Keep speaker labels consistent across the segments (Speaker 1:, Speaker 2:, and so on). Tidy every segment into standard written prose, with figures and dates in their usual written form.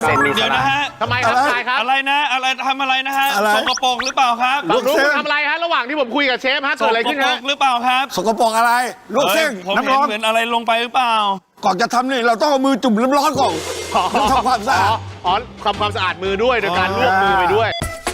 Speaker 1: เซนมี
Speaker 2: เดี๋
Speaker 1: สา
Speaker 2: ยว
Speaker 1: ระ
Speaker 2: นะฮะ
Speaker 3: ทำไมครับชายครับ
Speaker 2: อะไรนะอะไรทำอะไรนะฮะสกปรกหรือเปล่าครับ
Speaker 3: ฝั่งนู้นคุณทำอะไรฮะระหว่างที่ผมคุยกับเชฟฮะ
Speaker 2: ส
Speaker 3: เกิดอะไร
Speaker 2: ก
Speaker 3: ขึ้น
Speaker 2: ปร
Speaker 3: ฮะ
Speaker 2: กหรือเปล่าครับ
Speaker 4: สกปรกอะไรลวกเส้น
Speaker 2: ผม
Speaker 4: น้ำ
Speaker 2: เห็
Speaker 4: ร้
Speaker 2: น
Speaker 4: อน
Speaker 2: เหมือนอะไรลงไปหรือเปล่า
Speaker 4: ก่อนจะทำนี่เราต้องเอามือจุ่มน้ำร้อนก่อนแล้วทำความสะอาด
Speaker 3: อ๋อทำความสะอาดมือด้วยโดยการลวกมือไปด้วย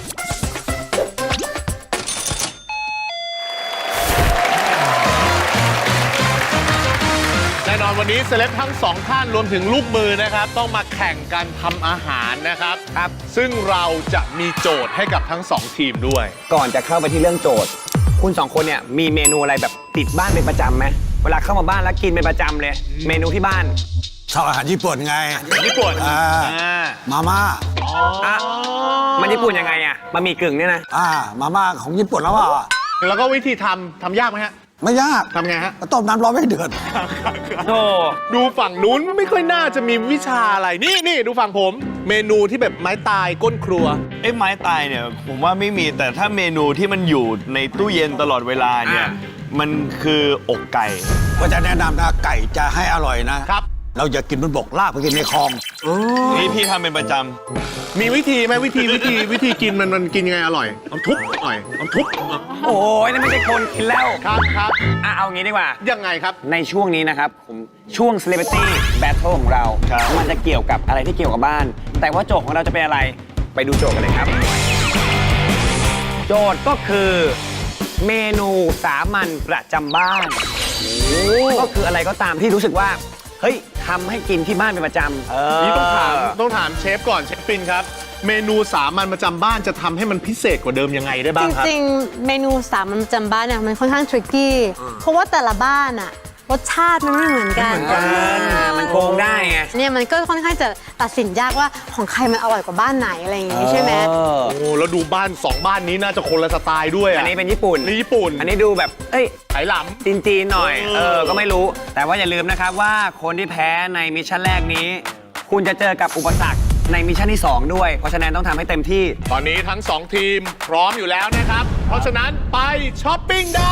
Speaker 3: แน่นอนวันนี้เซเลบทั้งสองท่านรวมถึงลูกมือนะครับ ต้องมาแข่งกันทำอาหารนะครับ ซึ่งเราจะมีโจทย์ให้กับทั้งสองทีมด้วย
Speaker 1: ก่อนจะเข้าไปที่เรื่องโจทย์ คุณสองคนเนี่ยมีเมนูอะไรแบบติดบ้านเป็นประจำไหมเวลาเข้ามาบ้านแล้วกินเป็นประจำเลย เมนูที่บ้าน
Speaker 4: ชอบอาหารญี่ปุ่นไง
Speaker 3: ญี่ปุ่น
Speaker 4: มาม่า
Speaker 1: อ่ะมันญี่ปุ่นยังไงอ่ะบะหมี่กึ่งเนี่ยนะ
Speaker 4: มาม่าของญี่ปุ่นแล้วเปล่า
Speaker 3: แล้วก็วิธีทำยากไหมฮะ
Speaker 4: ไม่ยาก
Speaker 3: ทำไงฮะ
Speaker 4: ก็ต้มน้ำร้อนให้เดือด
Speaker 1: โอ้
Speaker 3: ดูฝั่งนู้นไม่ค่อยน่าจะมีวิชาอะไรนี่ดูฝั่งผม เมนูที่แบบไม้ตายก้นครัว
Speaker 2: ไม้ตายเนี่ยผมว่าไม่มีแต่ถ้าเมนูที่มันอยู่ในตู้เย็นตลอดเวลาเนี่ยมันคืออกไก่
Speaker 4: ก็จะแนะนำนะไก่จะให้อร่อยนะครับ เราอย่ากินบนบกลากไปกินในคลอง
Speaker 2: นี่พี่ทำเป็นประจ
Speaker 3: มีวิธีไหมวิธีกินมันกินยังไงอร่อยเอาทุบหน่อยเอาทุบ
Speaker 1: โอ้ยนั่นไม่ใช่คนกินแล้ว
Speaker 3: ครับ
Speaker 1: อ่ะเอางี้ดีกว่า
Speaker 3: ยังไงครับ
Speaker 1: ในช่วงนี้นะครับผมช่วง Celebrity Battle ของเรา มันจะเกี่ยวกับอะไรที่เกี่ยวกับบ้าน แต่ว่าโจทย์ของเราจะเป็นอะไรไปดูโจทย์กันเลยครับ โจทย์ก็คือเมนูสามัญประจำบ้านก็คืออะไรก็ตามที่รู้สึกว่าเฮ้ยทำให้กินที่บ้านเป็นประจำ
Speaker 3: นี่ต้องถามเชฟก่อนเชฟปินครับ เมนูสามัญประจำบ้านจะทำให้มันพิเศษกว่าเดิมยังไงได้บ้างครับ
Speaker 5: จริงๆ เมนูสามัญประจำบ้านเนี่ยมันค่อนข้างทริกกี้ เพราะว่าแต่ละบ้านอะรสชาติมันไม่เหมือนกัน
Speaker 1: มันโกงได้ไง
Speaker 5: เนี่ยมันก็ค่อนข้างจะตัดสินยากว่าของใครมันอร่อยกว่าบ้านไหนอะไรอย่างงี้ใช่ไหม
Speaker 3: โอ้แล้วดูบ้าน2บ้านนี้น่าจะคนละสไตล์ด้วย
Speaker 1: อันนี้เป็นญี่ปุ่น
Speaker 3: นี่ญี่ปุ่น
Speaker 1: อันนี้ดูแบบเอ้ย
Speaker 3: ไหหล
Speaker 1: จีนๆหน่อย ก็ไม่รู้ แต่ว่าอย่าลืมนะครับว่าคนที่แพ้ในมิชชั่นแรกนี้ คุณจะเจอกับอุปสรรคในมิชชั่นที่ 2 ด้วย เพราะฉะนั้นต้องทำให้เต็มที่
Speaker 3: ำตอนนี้ทั้ง2ทีมพร้อมอยู่แล้วนะครับ เพราะฉะนั้นไปช้อปปิ้งได้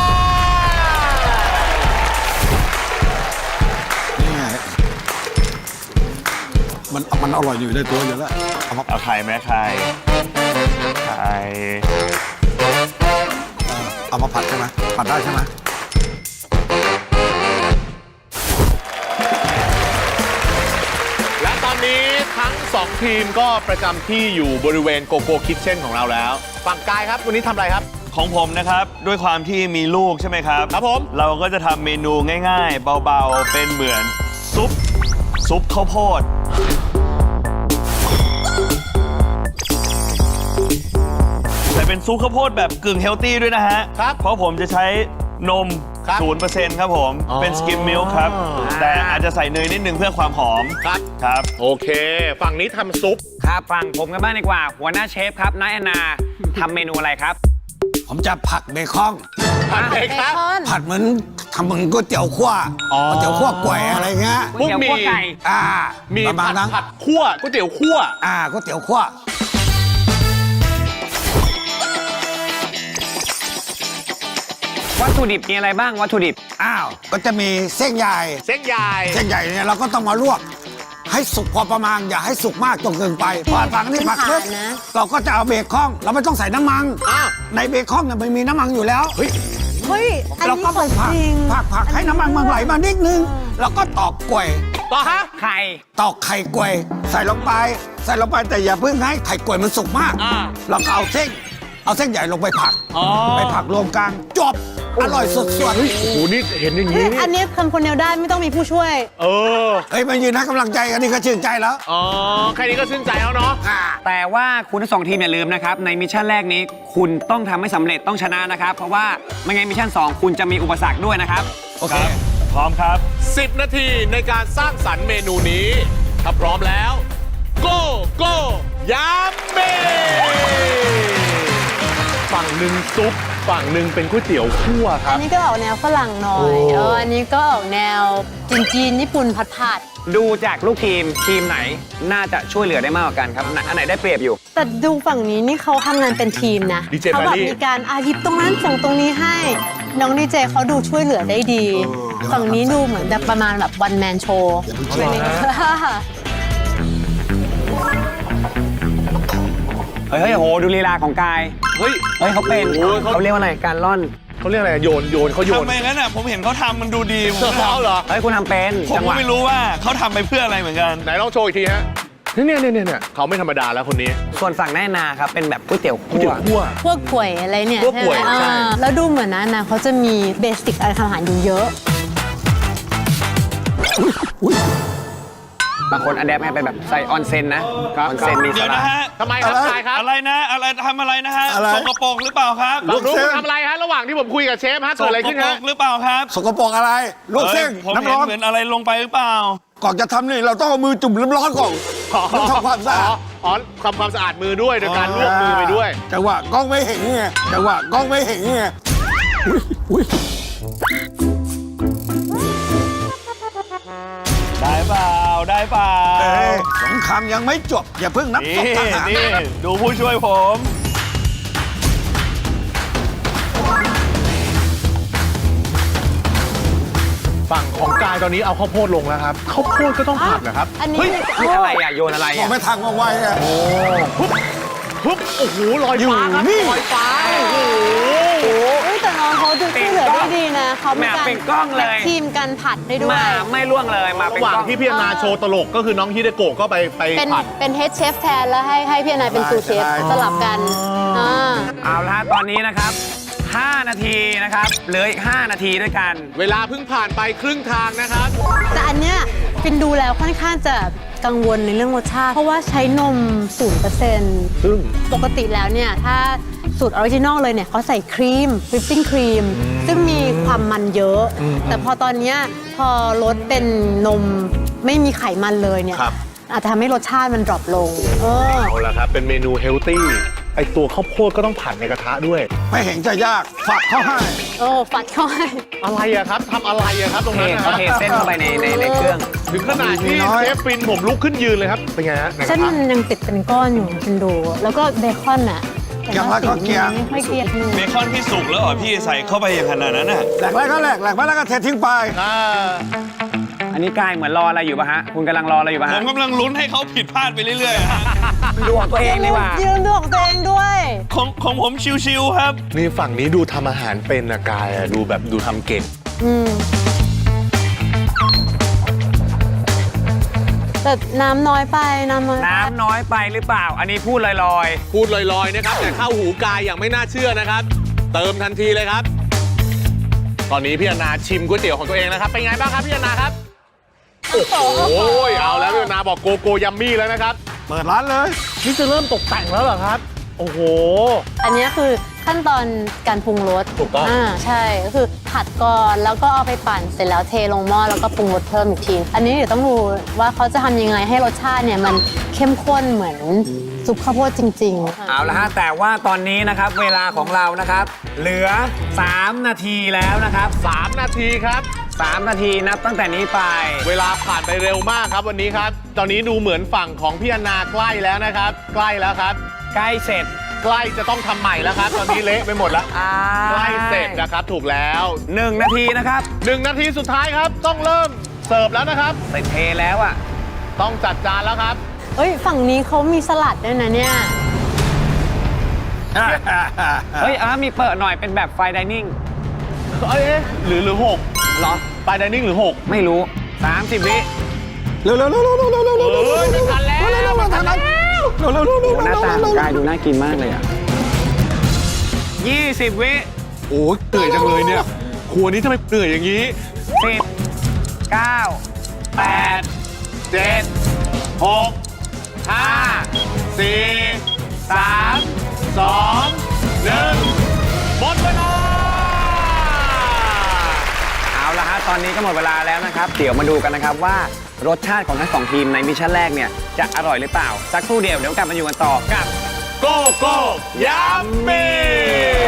Speaker 4: นี่ไงมันอร่อยอยู่ในตัวอยู่แล้วเอามา
Speaker 2: ำเอาไข่ไหมไข่ไข่
Speaker 4: เอามาผัดใช่ไหมผัดได้ใช่ไหม
Speaker 3: และตอนนี้ทั้ง2ทีมก็ประจำที่อยู่บริเวณโกโก้คิทเช่นของเราแล้ว ฝั่งกายครับวันนี้ทำอะไรครับ
Speaker 2: ของผมนะครับด้วยความที่มีลูกใช่ไหมครับ
Speaker 3: ครับผม
Speaker 2: เราก็จะทำเมนูง่ายๆ เบาๆ เป็นเหมือนซุปข้าวโพดแต่เป็นซุปข้าวโพดแบบกึ่งเฮลตี้ด้วยนะฮะ
Speaker 3: ครับ
Speaker 2: เพราะผมจะใช้นม
Speaker 3: ครับ
Speaker 2: 0%ครับผม
Speaker 3: อ๋อ
Speaker 2: เป็นสกิมมิลค์ครับ แต่อาจจะใส่เนยนิดนึงเพื่อความหอม
Speaker 3: ครับ
Speaker 2: ครับ
Speaker 3: โอเค ฝั่งนี้ทำซุป
Speaker 1: ครับฟังผมกันบ้างดีกว่า หัวหน้าเชฟครับน้าแอนนาทำเมนูอะไรครับ
Speaker 4: ผมจะผัดเบคอน
Speaker 3: ผัดเบ
Speaker 5: เบ
Speaker 3: คอน
Speaker 5: คอน
Speaker 4: ผัดเหมือนทำเหมือนก๋วยเตี๋ยวคั่ว
Speaker 3: อ๋อ
Speaker 4: ก๋วยเตี๋ยวคั่วแกว่อะไรเงี้ย
Speaker 1: ก๋วยเตี๋ยวคั่วไก่
Speaker 3: มี
Speaker 4: ประมาณนั้น
Speaker 3: ผัดคั่วก๋วยเตี๋ยวคั่ว
Speaker 4: ก๋วยเตี๋ยวคั่ว
Speaker 1: วัตถุดิบมีอะไรบ้างวัตถุดิบ
Speaker 4: ก็จะมีเส้นใหญ่
Speaker 3: เส้นใหญ่
Speaker 4: เส้นใหญ่เนี่ยเราก็ต้องมาลวก ให้สุกพอประมาณอย่าให้สุกมากจนเกินไปพอฝังนี่ผักปุ๊บ
Speaker 5: เป็นฐานนะ
Speaker 4: เราก็จะเอาเบคอนเราไม่ต้องใส่น้ำมัน
Speaker 3: อ้าว
Speaker 4: ในเบคอนเนี่ยมันมีน้ำมันอยู่แล้ว
Speaker 5: เฮ้ย อัน
Speaker 4: เรา
Speaker 5: นี้
Speaker 4: ก็
Speaker 5: ข
Speaker 4: ไป
Speaker 5: อง
Speaker 4: ผัก
Speaker 5: จริง
Speaker 4: ผักให้น้ำมันมันไหลมานิดนึงแล้วก็ตอกกล้วย
Speaker 3: ต่อฮะ
Speaker 1: ไข่
Speaker 4: ตอกไข่กล้วยใส่ลงไปแต่อย่าเพิ่งให้ไข่กล้วยมันสุกมาก เราก็เอาเส้นใหญ่ลงไปผักไปผักรวมกันจบอร่อยสุด
Speaker 3: โอ้โหนี่เห็นอย่าง
Speaker 5: เฮ้
Speaker 3: นี้
Speaker 5: ย
Speaker 3: นี่
Speaker 5: อันนี้ทำคนเดียวได้ไม่ต้องมีผู้ช่วย
Speaker 4: ๆเฮ้ยมันยืนให้กำลังใจกันนี่ก็ชื่นใจแล้ว
Speaker 3: อ๋อแค่นี้ก็ชื่นใจแล้วเนาะ
Speaker 1: แต่ว่าคุณทั้งสองทีมอย่าลืมนะครับ ในมิชชั่นแรกนี้ คุณต้องทำให้สำเร็จต้องชนะนะครับ เพราะว่าไม่งั้นมิชชั่น 2 คุณจะมีอุปสรรคด้วยนะครับ
Speaker 4: โอเค
Speaker 2: พร้อมครับ
Speaker 3: 10 นาทีในการสร้างสรรค์เมนูนี้ ถ้าพร้อมแล้ว go ยามเมฝั่งหนึ่งซุปฝั่งหนึ่งเป็นก๋วยเตี๋ยวคั่วค
Speaker 5: อั
Speaker 3: รั
Speaker 5: น
Speaker 3: บ
Speaker 5: นี้ก็ออกแนวฝรั่งหน่อย อันนี้ก็ออกแนวจีนญี่ปุ่นผัด
Speaker 1: ดูจากลูกทีมไหนน่าจะช่วยเหลือได้มากกว่ากันครับอันไหนได้เปรียบอยู่
Speaker 5: แต่ดูฝั่งนี้นี่เขาทำงานเป็นทีมนะ
Speaker 3: ดีเจ
Speaker 5: เขาแบบ
Speaker 3: แบรี่
Speaker 5: มีการหยิบตรงนั้นส่งตรงนี้ให้ น้องดีเจเขาดูช่วยเหลือได้ดี ฝั่งนี้ดูเหมือนแบบประมาณแบบวันแมนโชว์ช่วยนิดนึง
Speaker 1: เฮ้ยโหดูลีลาของกาย
Speaker 3: เฮ้ย
Speaker 1: เฮ้ยเขาเป็น
Speaker 3: โอ้ยเขา
Speaker 1: เขาเรียกว่าอะไรการล่อน
Speaker 3: เขาเรียกอะไรโยนเขาโยน
Speaker 2: ทำไมงั้นอ่ะผมเห็นเขาทำมันดูดีผมก็
Speaker 3: เขาเหรอ
Speaker 1: เฮ้ยคุณทำเป็น
Speaker 2: ผม
Speaker 1: จังห
Speaker 2: ก็
Speaker 1: วะ
Speaker 2: ไม่รู้ว่าเขาทำไปเพื่ออะไรเหมือนกัน
Speaker 3: ไหนลองโชว์อีกทีฮะเนี่ยเขาไม่ธรรมดาแล้วคนนี้
Speaker 1: ส่วนฝั่งแน่นาครับเป็นแบบก๋วยเตี๋ยวคั่ว
Speaker 5: พวกป่วยอะไรเนี่ย
Speaker 3: พวกป่วย
Speaker 5: ใช่ไหม
Speaker 3: ใช่
Speaker 5: แล้วดูเหมือนนะเขาจะมีเบสิกอะไรทำอาหารอยู่เยอะ
Speaker 1: บางคนอัดแอปให้ไปแบบใส่ออนเซนนะออนเซนมีส
Speaker 2: เดี๋ยว
Speaker 1: ลั
Speaker 2: นะ
Speaker 1: ด
Speaker 2: ฮะ
Speaker 3: ทำไมครับกายครับ
Speaker 2: อะไรนะอะไรทำอะไรนะฮะ
Speaker 4: อะไร
Speaker 2: สกปรกหรือเปล่าครับ
Speaker 3: ลูกคุณทำอะไรฮะระหว่างที่ผมคุยกับเชฟฮะ
Speaker 2: ส
Speaker 3: เกิดอะไร
Speaker 2: ก
Speaker 3: ขึ้น
Speaker 2: ปร
Speaker 3: ฮะ
Speaker 2: กหรือเปล่าครับ
Speaker 4: สกปรกอะไรลวกเส้น
Speaker 2: อ้ยผม
Speaker 4: น้ำ
Speaker 2: เห็น
Speaker 4: ร้อน
Speaker 2: เหมือนอะไรลงไปหรือเปล่า
Speaker 4: ก่อนจะทำนี่เราต้องเอามือจุ่มน้ำร้อนก่อนแล้วทำความสะอาด
Speaker 3: อ๋อทำความสะอาดมือด้วยโดยการลวกมือไปด้วย
Speaker 4: จังหวะกล้องไม่เห็นไงจังหวะกล้องไม่เห็นไงอุ๊ย
Speaker 2: ได้เปล่าได้เปล่า
Speaker 4: เอ้ยสงครามยังไม่จบ อย่าเพิ่งนับศ
Speaker 2: นี่
Speaker 4: พทหาร
Speaker 2: นี่ดูผู้ช่วยผม
Speaker 3: ฝั่งของกายตอนนี้เอาข้าวโพดลงแล้วครับข้าวโพดก็ต้องผัดเหรอครับ
Speaker 5: อันนี้
Speaker 3: เฮ้ย
Speaker 1: นี่อะไรอ่ะโยนอะไร
Speaker 4: มอ
Speaker 1: อ่ะ
Speaker 4: งไม่ทางมองไวไง
Speaker 3: ปุ๊บโอ้โหลอยฟ้าครับ
Speaker 4: อยู่นี่
Speaker 3: ลอยฟ้าโอ้โห
Speaker 5: เฮ้ยแต่น้องเขาดูช่วยเหลือได้ดีนะเขามีการ
Speaker 1: เป็นกล้องเลย
Speaker 5: ทีมกันผัดได้ด้วย
Speaker 1: มาไม่ล่วงเลยมาเป็น
Speaker 3: ระหว่าง
Speaker 1: กล้อง
Speaker 3: ที่พี่อนาโชว์ตลกก็คือน้องฮิเดโกะก็ไป
Speaker 5: เป็น
Speaker 3: ผัด
Speaker 5: เป็นเฮดเชฟแทนแล้วให้พี่อนายเป็นซูเชฟสลับกันอ่า
Speaker 1: เอาละฮะตอนนี้นะครับ 5 นาทีนะครับเหลืออีก 5 นาทีด้วยกัน
Speaker 3: เวลาเพิ่งผ่านไปครึ่งทางนะครับ
Speaker 5: แต่อันเนี้ยฟินดูแล้วค่อนข้างจะกังวลในเรื่องรสชาติ เพราะว่าใช้นม 0%
Speaker 3: ซึ่ง
Speaker 5: ปกติแล้วเนี่ย ถ้าสูตรออริจินอลเลยเนี่ยเขาใส่ครีมวิปปิ้งครีมซึ่งมีความมันเยอะ แต่พอตอนเนี้ยพอลดเป็นนมไม่มีไขมันเลยเนี่ย
Speaker 3: ครับ
Speaker 5: อาจจะทำให้รสชาติมันดรอปลง
Speaker 3: เอาละครับเป็นเมนูเฮลตี้ไอตัวข้าวโพดก็ต้องผัดในกระทะด้วย
Speaker 4: ไม่เห็นจะยากฝากเขาให้
Speaker 5: โอ้ฟัดเข้าให้
Speaker 3: อะไรอะครับทำอะไรอะครับตรง
Speaker 1: เท
Speaker 3: นั้นนะ
Speaker 1: เขาเทเส้นเข้าไปในเครื่อง
Speaker 3: ถึงขนาดที่เชฟฟินผมลุกขึ้นยืนเลยครับเป็นไงฮะในก
Speaker 5: เส้
Speaker 3: ระ
Speaker 5: น
Speaker 3: ทะ
Speaker 5: มันยังติดเป็นก้อนอยู่ฟินดู แล้วก็เบคอนอ่ะ
Speaker 4: เกียงแล้วก็เกียง
Speaker 5: ไม่ค่อยเกลียดมือ
Speaker 2: เบคอนพี่สุกแล้วเหรอพี่ใส่เข้าไปอย่างขนาดนั้นน่ะ
Speaker 4: แหลกแล้วก็แหลกไปแล้วก็เททิ้งไป
Speaker 3: อ่า
Speaker 1: อันนี้กายเหมือนรออะไรอยู่ป่ะฮะคุณกำลังรออะไรอยู่ป่ะ
Speaker 2: ผ
Speaker 1: ฮะ
Speaker 2: มกำลังลุ้นให้เขาผิดพลาดไปเรื่อยๆอะฮะ
Speaker 1: ดูของตัวเองดีกว่า
Speaker 5: ยืนดูของตัวเองด้วย
Speaker 2: ของผมชิวๆครับ
Speaker 3: นี่ฝั่งนี้ดูทำอาหารเป็นนะกายอะดูแบบดูทำเก่ง
Speaker 5: อืมแต่น้ำน้อยไปน้ำน้อยไป
Speaker 1: น้ำน้อยไปหรือเปล่า อันนี้พูดลอย
Speaker 3: พูดลอยๆนะครับ แต่เข้าหูกายอย่างไม่น่าเชื่อนะครับ เติมทันทีเลยครับ ตอนนี้พี่อนาชิมก๋วยเตี๋ยวของตัวเองนะครับเป็นไงบ้างครับพี่อนาครับโอ้โหเอาแล้วพี่อนาบอกโกโก้ยัมมี่แล้วนะครับ
Speaker 4: เปิดร้านเลย
Speaker 3: นี่จะเริ่มตกแต่งแล้วเหรอครับ โอ้โห
Speaker 5: อันนี้คือขั้นตอนการปรุงรส
Speaker 3: ถูกต้อง
Speaker 5: ใช่ก็คือผัดก่อนแล้วก็เอาไปปั่นเสร็จแล้วเทลงหม้อแล้วก็ปรุงรสเพิ่มอีกที อันนี้เดี๋ยวต้องดูว่าเขาจะทำยังไงให้รสชาติเนี่ยมันเข้มข้นเหมือนซุปข้าวโพดจริงๆ
Speaker 1: ๆ เอาละฮะ แต่ว่าตอนนี้นะครับเวลาของเรานะครับ เหลือ 3 นาทีแล้วนะครับ
Speaker 3: 3 นาทีครับ
Speaker 1: 3 นาทีนับตั้งแต่นี้ไป
Speaker 3: เวลาผ่านไปเร็วมากครับวันนี้ครับ ตอนนี้ดูเหมือนฝั่งของพี่อนาใกล้แล้วนะครับ ใกล้แล้วครับ
Speaker 1: ใกล้เสร็จ
Speaker 3: ใกล้จะต้องทำใหม่แล้วครับ ตอนนี้เละไปหมดแล้ว ใกล้เสร็จนะครับ ถูกแล้ว
Speaker 1: 1 นาทีนะครับ
Speaker 3: 1 นาทีสุดท้ายครับ ต้องเริ่มเสิร์ฟแล้วนะครับ
Speaker 1: เสร็จเทแล้วอ่ะ
Speaker 3: ต้องจัดจานแล้วครับ
Speaker 5: เอ้ยฝั่งนี้เขามีสลัดด้วยนะเนี่ย
Speaker 1: เฮ้ยมีเปิดหน่อยเป็นแบบไฟดิเนิ่ง
Speaker 3: เอ้ยหรือหก
Speaker 1: เหรอ
Speaker 3: ไปดิเนิ่งหรือ 6
Speaker 1: ไม่รู้ 30 วิ
Speaker 4: เร็ว
Speaker 3: ไม่ทันแล้วไม่ทันแล้ว
Speaker 1: โอ้หน้าตาของกายดูน่ากินมากเลยอ่ะ 20 วิ
Speaker 3: โอ้ยเหนื่อยจังเลยเนี่ย ครัวนี้ทำไมเหนื่อยอย่างนี้
Speaker 1: 10 9 8
Speaker 3: 7 6 5 4 3 2 1หมดเวลา
Speaker 1: เอาละฮะ ตอนนี้ก็หมดเวลาแล้วนะครับ เดี๋ยวมาดูกันนะครับว่ารสชาติของทั้งสองทีมในมิชชั่นแรกเนี่ยจะอร่อยหรือเปล่า สักครู่เดียวเดี๋ยวกลับมาอยู่กันต่อกับ
Speaker 3: โกโก้ยัมมี่